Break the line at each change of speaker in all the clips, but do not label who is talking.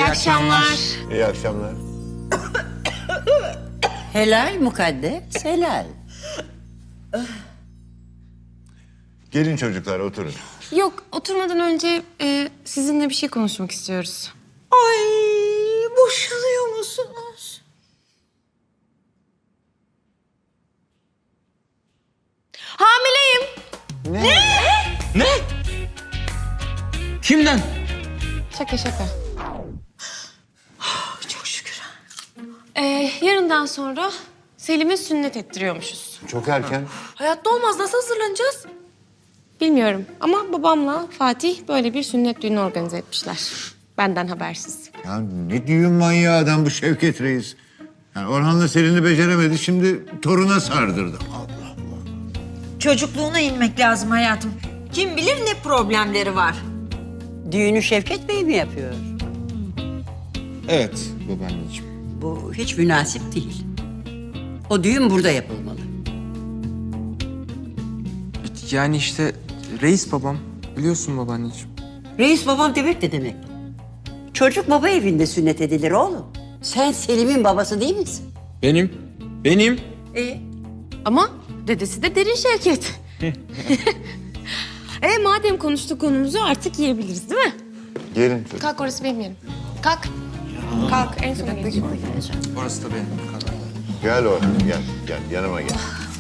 akşamlar.
İyi akşamlar.
Helal mukaddes, helal.
Gelin çocuklar oturun.
Yok, oturmadan önce sizinle bir şey konuşmak istiyoruz.
Ay, boşanıyor musunuz?
Hamileyim.
Ne? Kimden?
Şaka.
Çok şükür.
Yarından sonra Selim'e sünnet ettiriyormuşuz.
Çok erken.
Hayatta olmaz. Nasıl hazırlanacağız? Bilmiyorum ama babamla Fatih böyle bir sünnet düğünü organize etmişler. Benden habersiz.
Ya ne düğün manyağı adam bu Şevket Reis. Yani Orhan'la Selin'i beceremedi, şimdi toruna sardırdı. Allah Allah.
Çocukluğuna inmek lazım hayatım. Kim bilir ne problemleri var.
Düğünü Şevket Bey mi yapıyor?
Evet babaanneciğim.
Bu hiç münasip değil. O düğün burada yapılmalı.
Yani işte reis babam. Biliyorsun babaanneciğim.
Reis babam demek de demek. Çocuk baba evinde sünnet edilir oğlum. Sen Selim'in babası değil misin?
Benim.
Ama dedesi de Derin Şevket. Madem konuştuk konumuzu artık yiyebiliriz değil mi?
Gelin çocuk.
Kalk, orası benim yerim. Kalk. Kalk, en sona geleceğim.
Orası da benim kadar.
Gel Orhan, gel yanıma gel.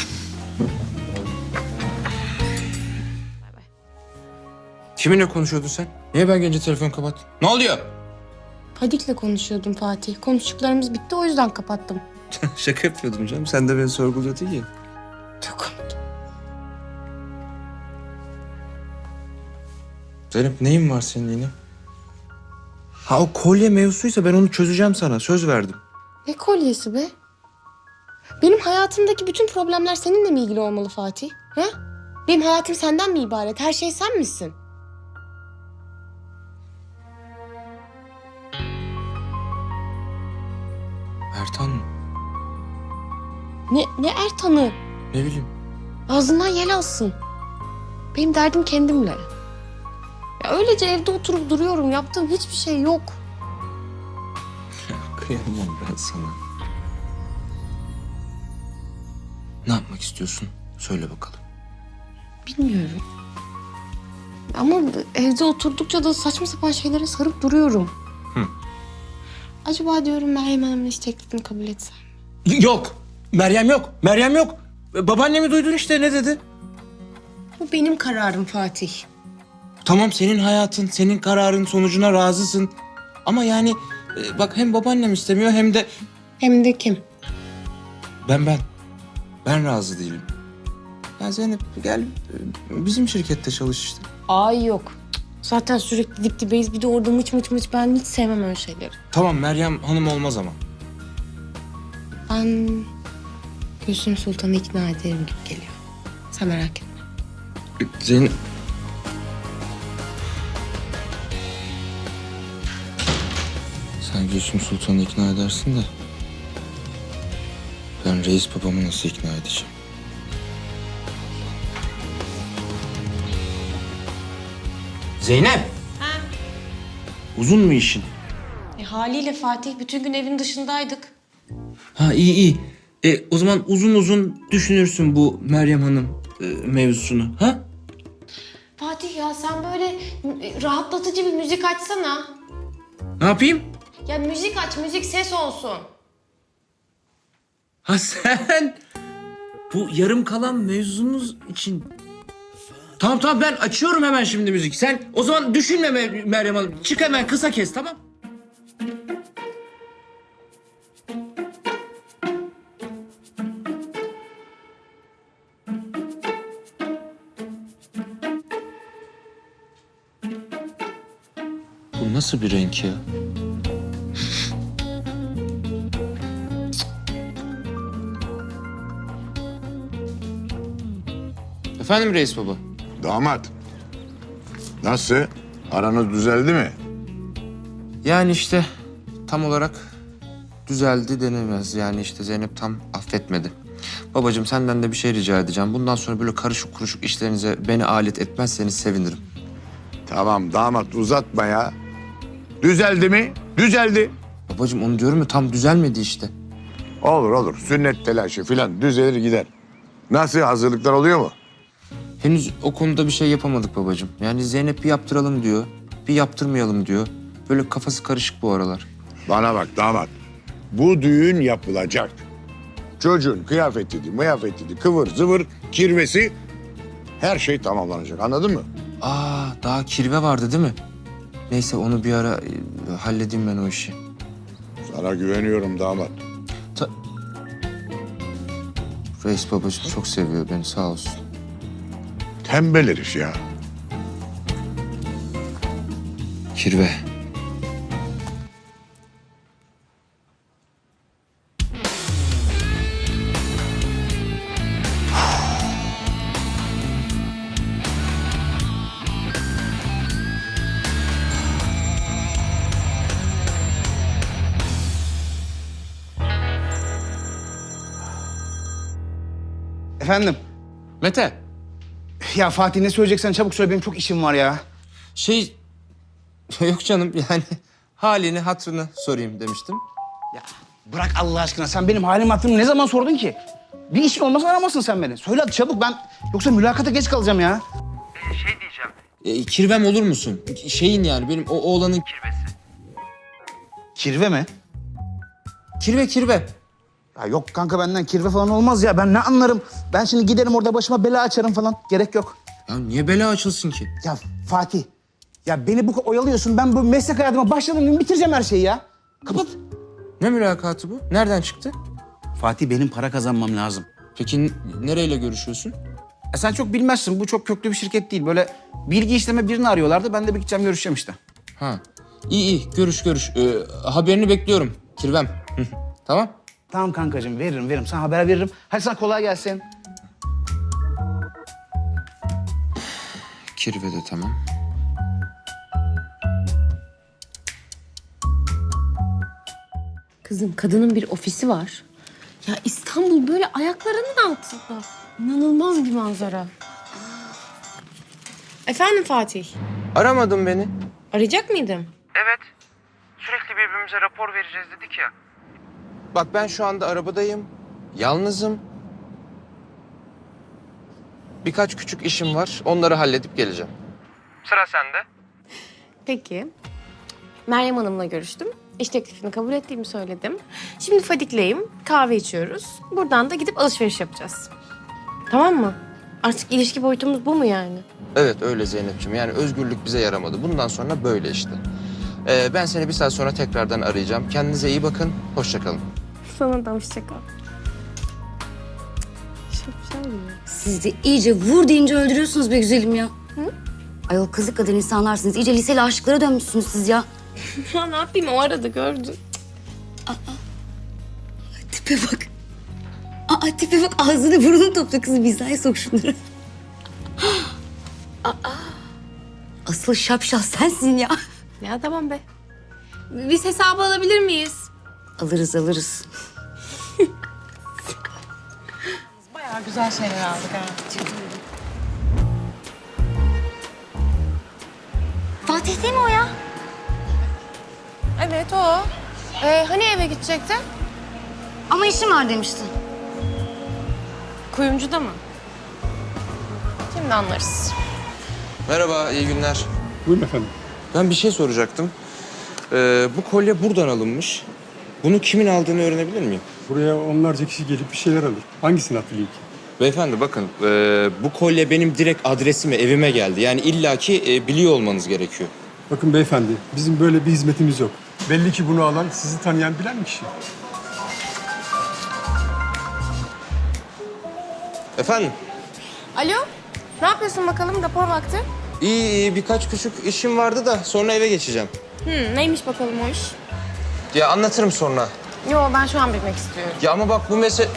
Kiminle konuşuyordun sen? Niye ben gelince telefonu kapattın? Ne oluyor?
Fadik'le konuşuyordum Fatih. Konuştuklarımız bitti, o yüzden kapattım.
Şaka yapıyordum canım. Sen de beni sorguluyordun ya.
Çok komik.
Zeynep neyin var senin yine? Ha o kolye mevzusuysa ben onu çözeceğim sana. Söz verdim.
Ne kolyesi be? Benim hayatımdaki bütün problemler seninle mi ilgili olmalı Fatih? Ha? Benim hayatım senden mi ibaret? Her şey sen misin?
Ertan mı?
Ne Ertan'ı?
Ne bileyim.
Ağzından yel alsın. Benim derdim kendimle. Ya öylece evde oturup duruyorum. Yaptığım hiçbir şey yok.
Kıyamam ben sana. Ne yapmak istiyorsun? Söyle bakalım.
Bilmiyorum. Ama evde oturdukça da saçma sapan şeylere sarıp duruyorum. Acaba diyorum Meryem Hanım'ın iş teklifini kabul etsem.
Yok. Meryem yok. Meryem yok. Babaannemi duydun işte ne dedi?
Bu benim kararım Fatih.
Tamam senin hayatın, senin kararın sonucuna razısın. Ama yani bak hem babaannem istemiyor hem de
Hem de kim?
ben. Ben razı değilim. Ya Zeynep gel bizim şirkette çalış işte.
Ay yok. Zaten sürekli dip dibeyiz. Bir de orada mıç ben hiç sevmem öyle şeyleri.
Tamam Meryem Hanım olmaz ama.
Ben Gülsüm Sultan'ı ikna ederim gibi geliyor. Sen merak etme.
Zeynep... Sen Gülsüm Sultan'ı ikna edersin de... Ben reis babamı nasıl ikna edeceğim? Zeynep! Uzun mu işin?
Haliyle Fatih bütün gün evin dışındaydık.
Ha iyi. O zaman uzun düşünürsün bu Meryem Hanım mevzusunu. Ha?
Fatih ya sen böyle rahatlatıcı bir müzik açsana.
Ne yapayım?
Ya müzik aç, müzik ses olsun.
Ha sen bu yarım kalan mevzumuz için... Tamam ben açıyorum hemen şimdi müzik. Sen o zaman düşünme Meryem Hanım. Çık hemen kısa kes tamam. Bu nasıl bir renk ya? Efendim reis baba?
Damat. Nasıl? Aranız düzeldi mi?
Yani işte tam olarak düzeldi denemez. Yani işte Zeynep tam affetmedi. Babacığım senden de bir şey rica edeceğim. Bundan sonra böyle karışık kuruşuk işlerinize beni alet etmezseniz sevinirim.
Tamam damat uzatma ya. Düzeldi mi? Düzeldi.
Babacığım onu diyorum ya, tam düzelmedi işte.
Olur olur. Sünnet telaşı filan düzelir gider. Nasıl, hazırlıklar oluyor mu?
Henüz o konuda bir şey yapamadık babacığım. Yani Zeynep bir yaptıralım diyor, bir yaptırmayalım diyor. Böyle kafası karışık bu aralar.
Bana bak damat. Bu düğün yapılacak. Çocuğun kıyafetiydi, mıyafetiydi, kıvır zıvır, kirvesi, her şey tamamlanacak. Anladın mı?
Aa, daha kirve vardı değil mi? Neyse onu bir ara halledeyim ben o işi.
Sana güveniyorum damat.
Reis babacığım çok seviyor beni, sağ olsun.
Tembel herif ya.
Kirve.
Efendim?
Mete,
Ya Fatih ne söyleyeceksen çabuk söyle, benim çok işim var ya.
yok canım yani halini hatırını sorayım demiştim.
Ya bırak Allah aşkına, sen benim halim hatırımı ne zaman sordun ki? Bir işin olmasa aramasın sen beni. Söyle hadi çabuk, ben yoksa mülakata geç kalacağım ya.
Kirvem olur musun? Şeyin yani benim o oğlanın kirvesi.
Kirve mi?
Kirve.
Ya yok kanka, benden kirve falan olmaz ya, ben ne anlarım. Ben şimdi giderim orada başıma bela açarım falan, gerek yok.
Ya niye bela açılsın ki?
Ya Fatih, ya beni bu kadar oyalıyorsun, ben bu meslek hayatıma başladığım gün bitireceğim her şeyi ya. Kapat.
Ne mülakatı bu? Nereden çıktı?
Fatih, benim para kazanmam lazım.
Peki nereyle görüşüyorsun?
Sen çok bilmezsin, bu çok köklü bir şirket değil. Böyle bilgi işleme birini arıyorlardı, ben de bir gideceğim, görüşeceğim işte.
Ha. İyi görüş. Haberini bekliyorum kirvem. Tamam.
Tamam kankacığım, veririm. Sana haber veririm. Hadi sana kolay gelsin.
Kirve de tamam.
Kızım, kadının bir ofisi var. Ya İstanbul böyle ayaklarının altında. İnanılmaz bir manzara. Efendim Fatih?
Aramadın beni.
Arayacak mıydım?
Evet. Sürekli birbirimize rapor vereceğiz dedik ya. Bak ben şu anda arabadayım. Yalnızım. Birkaç küçük işim var. Onları halledip geleceğim. Sıra sende.
Peki. Meryem Hanım'la görüştüm. İş teklifini kabul ettiğimi söyledim. Şimdi Fadik'leyim. Kahve içiyoruz. Buradan da gidip alışveriş yapacağız. Tamam mı? Artık ilişki boyutumuz bu mu yani?
Evet öyle Zeynep'ciğim. Yani özgürlük bize yaramadı. Bundan sonra böyle işte. Ben seni bir saat sonra tekrardan arayacağım. Kendinize iyi bakın. Hoşça kalın.
Sana da hoşça kal. Şapşal ya.
Siz de iyice vur deyince öldürüyorsunuz be güzelim ya. Hı? Ayol kızlık kadar insanlarsınız. İyice liseli aşıklara dönmüşsünüz siz ya.
Ya ne yapayım, o arada gördüm.
Tipe bak. Tipe bak, ağzını burnunu topla kızım. Hizaya sok şunları. Asıl şapşal sensin ya.
Ya tamam be. Biz hesabı alabilir miyiz?
Alırız.
Bayağı güzel şeyler aldık ha.
Fatih değil mi o ya?
Evet o. Hani eve gidecekti?
Ama işim var demiştin.
Kuyumcuda mı? Şimdi anlarız.
Merhaba, iyi günler.
Buyurun efendim.
Ben bir şey soracaktım. Bu kolye buradan alınmış. Bunu kimin aldığını öğrenebilir miyim?
Buraya onlarca kişi gelip bir şeyler alır. Hangisini hatırlayayım ki?
Beyefendi bakın, bu kolye benim direkt adresime, evime geldi. Yani illaki biliyor olmanız gerekiyor.
Bakın beyefendi, bizim böyle bir hizmetimiz yok. Belli ki bunu alan sizi tanıyan bilen bir kişi.
Efendim?
Alo? Ne yapıyorsun bakalım, rapor vakti?
İyi, birkaç küçük işim vardı da sonra eve geçeceğim.
Neymiş bakalım o iş?
Ya anlatırım sonra.
Yo, ben şu an bilmek istiyorum.
Ya ama bak bu mesele...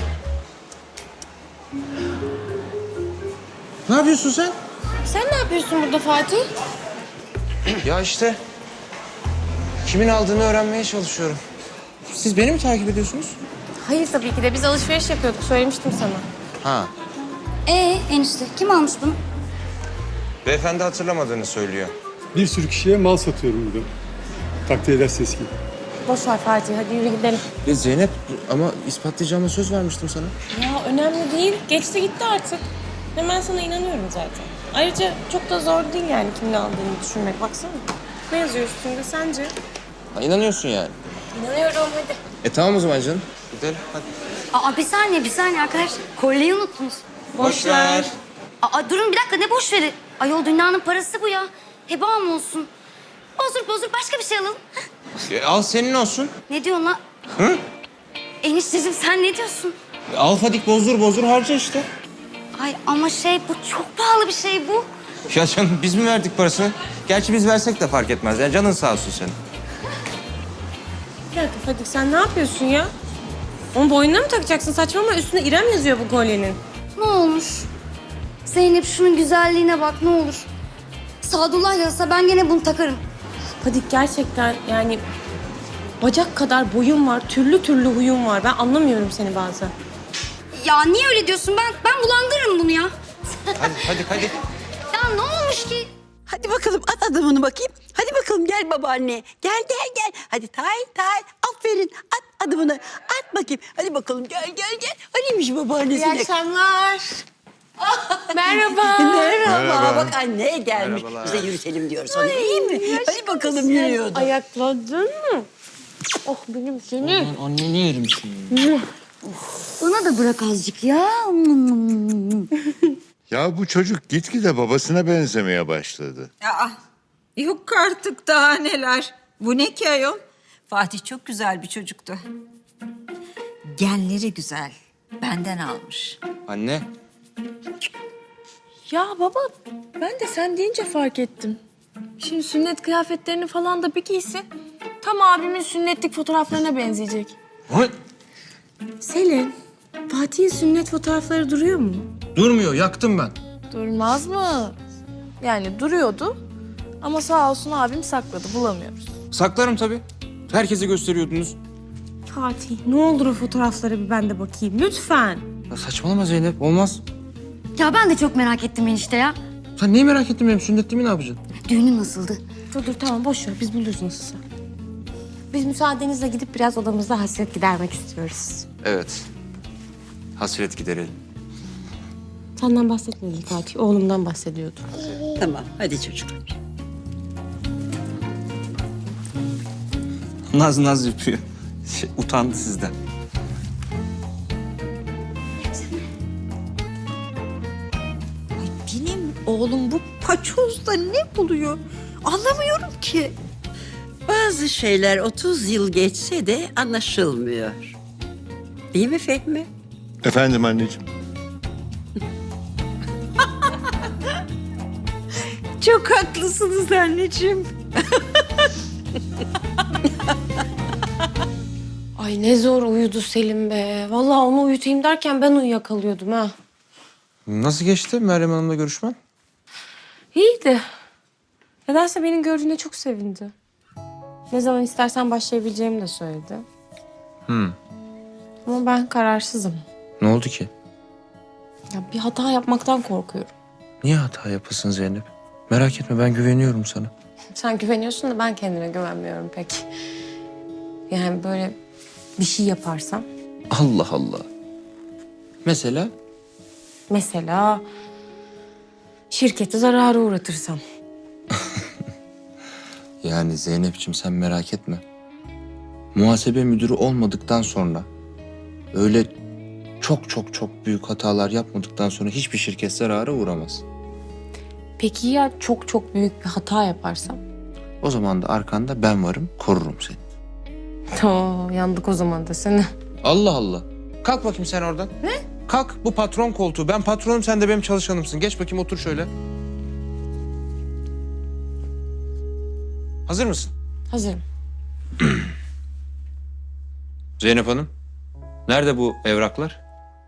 Ne yapıyorsun sen?
Sen ne yapıyorsun burada Fatih?
Ya işte kimin aldığını öğrenmeye çalışıyorum. Siz beni mi takip ediyorsunuz?
Hayır tabii ki de, biz alışveriş yapıyorduk, söylemiştim sana.
Ha.
Enişte kim almış bunu?
Beyefendi hatırlamadığını söylüyor.
Bir sürü kişiye mal satıyorum burada. Takdir edersiniz ki.
Boş ver Fatih, hadi yürü gidelim.
Ya Zeynep ama ispatlayacağıma söz vermiştim sana.
Ya önemli değil, geçti gitti artık. Hemen sana inanıyorum zaten. Ayrıca çok da zor değil yani kimin aldığını düşünmek. Baksana. Ne yazıyor üstünde sence?
Ha, inanıyorsun yani.
İnanıyorum, hadi.
Tamam o zaman canım. Gidelim hadi.
Aa bir saniye arkadaşlar. Kolyeyi unuttunuz.
Boş ver.
Aa durun bir dakika ne boş veri? Ayol dünyanın parası bu ya. Heba mı olsun? Bozdur başka bir şey alalım.
Al senin olsun.
Ne diyorsun lan?
Hı?
Enişteciğim sen ne diyorsun?
Al Fadik bozdur harca işte.
Ay ama bu çok pahalı bir şey bu.
Ya canım biz mi verdik parasını? Gerçi biz versek de fark etmez. Ya canın sağ olsun senin.
Bir dakika Fatih, sen ne yapıyorsun ya? Onu boynuna mı takacaksın? Saçmalama, üstünde İrem yazıyor bu kolyenin.
Ne olmuş? Zeynep şunun güzelliğine bak ne olur. Sadullah yazsa ben gene bunu takarım.
Fatih gerçekten yani bacak kadar boyun var, türlü türlü huyun var. Ben anlamıyorum seni bazen.
Ya niye öyle diyorsun? Ben bulandırırım bunu ya.
Hadi.
Ya ne olmuş ki?
Hadi bakalım at adımını bakayım. Hadi bakalım gel babaanne. Gel. Hadi tay. Aferin at adımını. At bakayım. Hadi bakalım gel. Hanimiş babaannesine.
akşamlar. Merhaba.
Merhaba. Bak anne gelmiş.
Merhabalar.
Biz de yürütelim diyoruz ona iyi mi? Hadi bakalım yürüyordu.
Ayakladın mı? Oh benim seni.
Anneni yerim şimdi.
Bana da bırak azıcık ya.
Ya bu çocuk gitgide babasına benzemeye başladı.
Aa, yok artık daha neler. Bu ne ki ayol? Fatih çok güzel bir çocuktu. Genleri güzel. Benden almış.
Anne.
Ya baba, ben de sen deyince fark ettim. Şimdi sünnet kıyafetlerini falan da bir giysin. Tam abimin sünnetlik fotoğraflarına benzeyecek. Selin, Fatih'in sünnet fotoğrafları duruyor mu?
Durmuyor yaktım ben.
Durmaz mı? Yani duruyordu ama sağ olsun abim sakladı, bulamıyoruz.
Saklarım tabii. Herkese gösteriyordunuz.
Fatih, ne olur o fotoğraflara bir ben de bakayım lütfen.
Ya saçmalama Zeynep olmaz.
Ya ben de çok merak ettim enişte ya.
Sen neyi merak ettin benim sünnetimi ne yapacaksın?
Düğünün nasıldı?
Dur tamam boş ver, biz buluruz nasılsa. Biz müsaadenizle gidip biraz odamızda hasret gidermek istiyoruz.
Evet. Hasret giderelim.
Senden bahsetmedim Fatih, oğlumdan bahsediyordu.
Tamam hadi çocuklar.
Naz yapıyor. Utandı sizden.
Benim oğlum bu paçozda ne buluyor? Anlamıyorum ki.
Bazı şeyler 30 yıl geçse de anlaşılmıyor. Değil mi Fehmi?
Efendim anneciğim.
Çok haklısınız anneciğim.
Ay ne zor uyudu Selim be. Vallahi onu uyutayım derken ben uyuyakalıyordum ha.
Nasıl geçti Meryem Hanım'la görüşmen?
İyiydi. Nedense beni gördüğünde çok sevindi. Ne zaman istersen başlayabileceğimi de söyledi. Ama ben kararsızım.
Ne oldu ki?
Ya bir hata yapmaktan korkuyorum.
Niye hata yapasın Zeynep? Merak etme ben güveniyorum sana.
Sen güveniyorsun da ben kendime güvenmiyorum pek. Yani böyle bir şey yaparsam.
Allah Allah. Mesela?
Mesela şirketi zarara uğratırsam.
Yani Zeynep'ciğim sen merak etme. Muhasebe müdürü olmadıktan sonra öyle çok büyük hatalar yapmadıktan sonra hiçbir şirket zarara uğramaz.
Peki ya çok büyük bir hata yaparsam?
O zaman da arkanda ben varım, korurum seni.
Yandık o zaman da seni.
Allah Allah. Kalk bakayım sen oradan. Ne? Kalk bu patron koltuğu. Ben patronum sen de benim çalışanımsın. Geç bakayım otur şöyle. Hazır mısın?
Hazırım.
Zeynep Hanım. Nerede bu evraklar?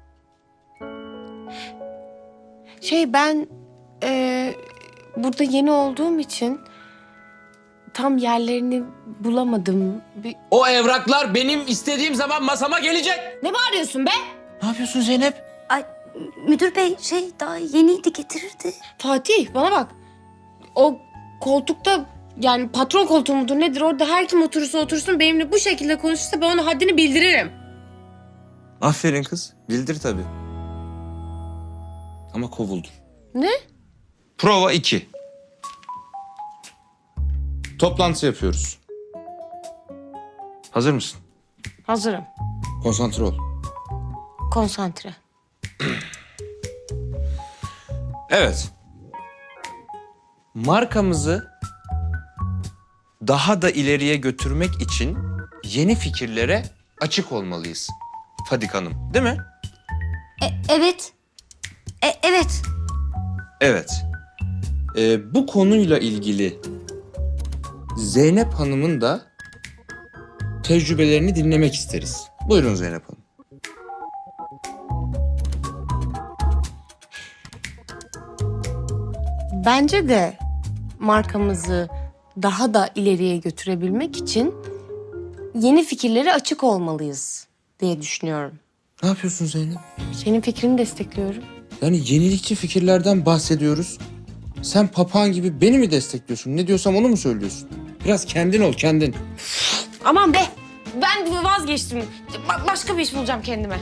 Ben burada yeni olduğum için tam yerlerini bulamadım.
O evraklar benim istediğim zaman masama gelecek.
Ne bağırıyorsun be?
Ne yapıyorsun Zeynep?
Ay müdür bey daha yeniydi getirirdi.
Fatih bana bak. O koltukta Yani patron koltuğu mudur nedir orada her kim oturursa otursun benimle bu şekilde konuşursa ben ona haddini bildiririm.
Aferin kız. Bildir tabii. Ama kovuldun.
Ne?
Prova 2. Toplantı yapıyoruz. Hazır mısın?
Hazırım.
Konsantre ol.
Konsantre.
Evet. Markamızı daha da ileriye götürmek için yeni fikirlere açık olmalıyız. Fadik Hanım, değil mi?
Evet. Evet.
Evet. Bu konuyla ilgili Zeynep Hanım'ın da tecrübelerini dinlemek isteriz. Buyurun Zeynep Hanım.
Bence de markamızı daha da ileriye götürebilmek için yeni fikirlere açık olmalıyız diye düşünüyorum.
Ne yapıyorsun Zeynep?
Senin fikrini destekliyorum.
Yani yenilikçi fikirlerden bahsediyoruz. Sen papağan gibi beni mi destekliyorsun? Ne diyorsam onu mu söylüyorsun? Biraz kendin ol, kendin.
Aman be! Ben vazgeçtim. Başka bir iş bulacağım kendime.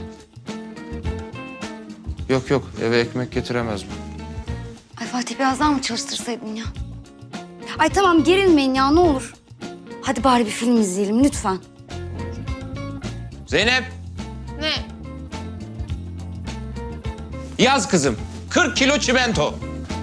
Yok yok, eve ekmek getiremez bu.
Ay Fatih biraz daha mı çalıştırsaydın ya? Ay tamam gerilmeyin ya ne olur. Hadi bari bir film izleyelim lütfen.
Zeynep,
Ne?
yaz kızım. 40 kilo çimento.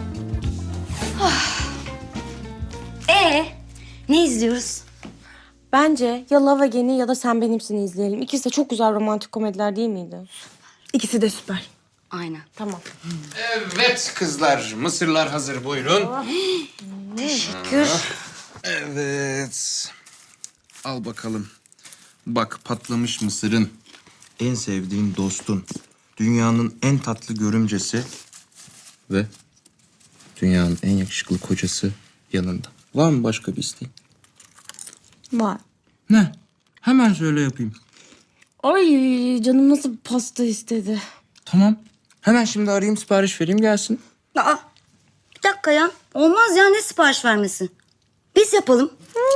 Ne izliyoruz?
Bence ya Love Again'i ya da Sen Benimsin'i izleyelim. İkisi de çok güzel romantik komediler değil miydi? İkisi de süper.
Aynen.
Tamam.
Evet kızlar, mısırlar hazır buyurun.
Teşekkür.
Evet. Al bakalım. Bak patlamış mısırın, en sevdiğin dostun, dünyanın en tatlı görümcesi ve dünyanın en yakışıklı kocası yanında. Var mı başka bir isteğin?
Var.
Ne? Hemen söyle yapayım.
Ay canım nasıl pasta istedi.
Tamam. Hemen şimdi arayayım, sipariş vereyim gelsin.
Aa, bir dakika ya. Olmaz ya ne sipariş vermesi? Biz yapalım.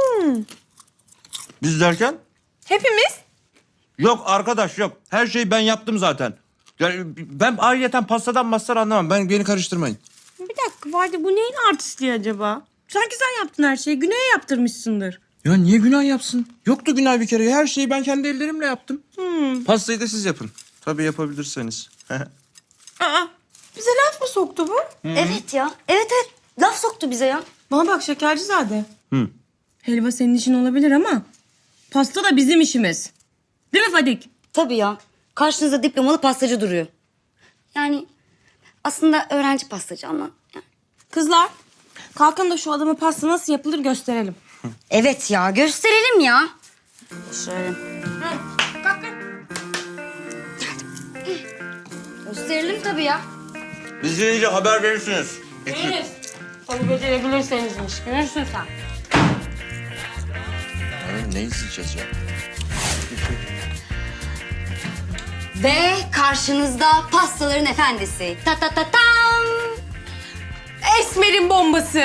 Biz derken?
Hepimiz?
Yok arkadaş yok. Her şeyi ben yaptım zaten. Yani ben ayrıyeten pastadan mastar anlamam.
Beni karıştırmayın.
Bir dakika Vadi bu neyin artistliği acaba? Sanki sen yaptın her şeyi. Güney'e yaptırmışsındır.
Ya niye günah yapsın? Yoktu günah bir kere. Her şeyi ben kendi ellerimle yaptım. Pastayı da siz yapın. Tabii yapabilirseniz.
Aa, bize laf mı soktu bu?
Evet ya. Evet. Laf soktu bize ya.
Bana bak Şekercizade. Helva senin işin olabilir ama pasta da bizim işimiz. Değil mi Fadik?
Tabii ya. Karşınızda diplomalı pastacı duruyor. Yani aslında öğrenci pastacı ama.
Kızlar kalkın da şu adama pasta nasıl yapılır gösterelim.
Evet ya gösterelim ya. Şöyle. Gösterelim tabii ya.
Biz gelince haber verirsiniz.
Veririz. Tabii becerebilirsenizmiş. Görürsün sen.
Ne izleyeceğiz ya?
Ve karşınızda pastaların efendisi. Ta ta ta tam.
Esmer'in bombası.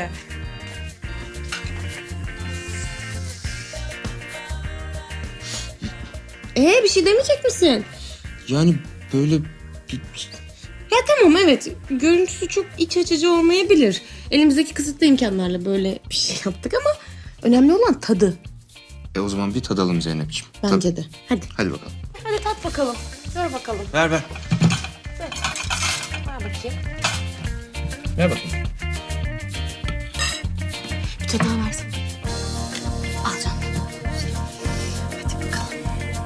Bir şey demeyecek misin?
Yani böyle bir...
Ya tamam evet. Görüntüsü çok iç açıcı olmayabilir. Elimizdeki kısıtlı imkanlarla böyle bir şey yaptık ama önemli olan tadı.
O zaman bir tadalım Zeynep'ciğim.
Bence de. Hadi.
Hadi bakalım.
Hadi tat bakalım. Ver bakalım.
Ver.
Ver bakayım.
Ver bakayım.
Bir tadı daha versin.
Al canım.
Hadi bakalım.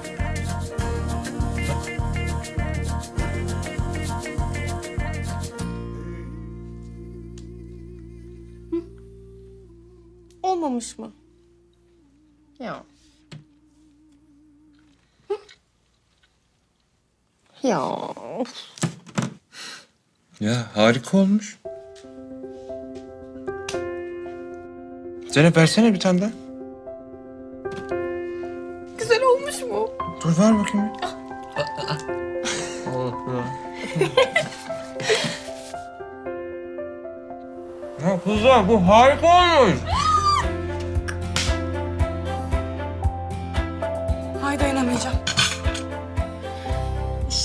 Olmamış mı? Ya. Ya.
Ya harika olmuş. Zeynep versene bir tane daha.
Güzel olmuş mu?
Dur ver bakayım.
Ya kızlar bu harika olmuş.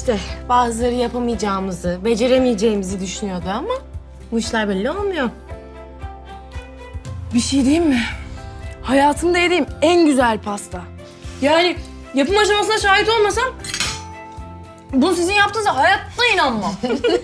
İşte bazıları yapamayacağımızı, beceremeyeceğimizi düşünüyordu ama bu işler belli olmuyor.
Bir şey diyeyim mi? Hayatımda yediğim en güzel pasta. Yani yapım aşamasına şahit olmasam bunu sizin yaptığınıza hayatta inanmam.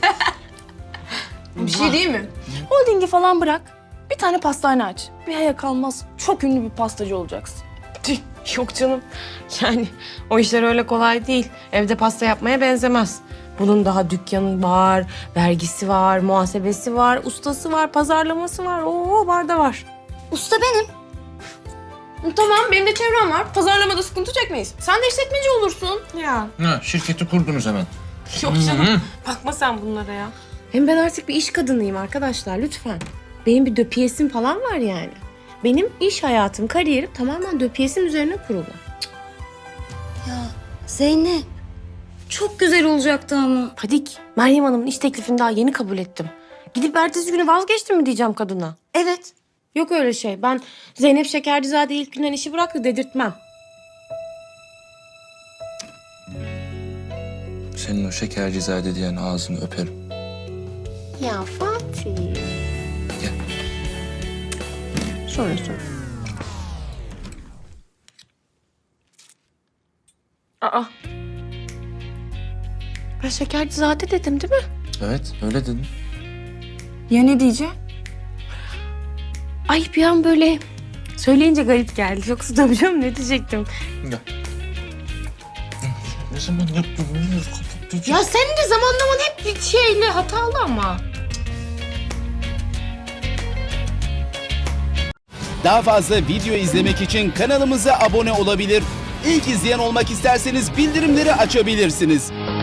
Bir şey diyeyim mi? Holdingi falan bırak. Bir tane pastane aç. Bir aya kalmaz çok ünlü bir pastacı olacaksın.
Tüh, yok canım. Yani o işler öyle kolay değil. Evde pasta yapmaya benzemez. Bunun daha dükkanı var, vergisi var, muhasebesi var, ustası var, pazarlaması var. Oo, var da var.
Usta benim.
Tamam, benim de çevrem var. Pazarlamada sıkıntı çekmeyiz. Sen de işletmeci olursun. Ya.
Ha, şirketi kurdunuz hemen.
Yok canım. Bakma sen bunlara ya. Hem ben artık bir iş kadınıyım arkadaşlar, lütfen. Benim bir döpiyesim falan var yani. Benim iş hayatım, kariyerim tamamen döpiyesim üzerine kurulu.
Ya Zeynep. Çok güzel olacaktı ama.
Fadik, Meryem Hanım'ın iş teklifini daha yeni kabul ettim. Gidip ertesi günü vazgeçtim mi diyeceğim kadına?
Evet.
Yok öyle şey. Ben Zeynep Şekercizade ilk günden işi bıraktı dedirtmem.
Senin o şekercizade diyen ağzını öperim.
Ya Fatih.
Gel.
Sonra. Aa. Ben Şekercizade dedim değil mi?
Evet, öyle dedin.
Ya ne diyeceğim?
Ay bir an böyle söyleyince garip geldi. Yoksa tabii canım ne diyecektim?
Gel. Ne zaman yaptın?
Ya senin de zamanlaman hep bir şeyle hatalı ama.
Daha fazla video izlemek için kanalımıza abone olabilir. İlk izleyen olmak isterseniz bildirimleri açabilirsiniz.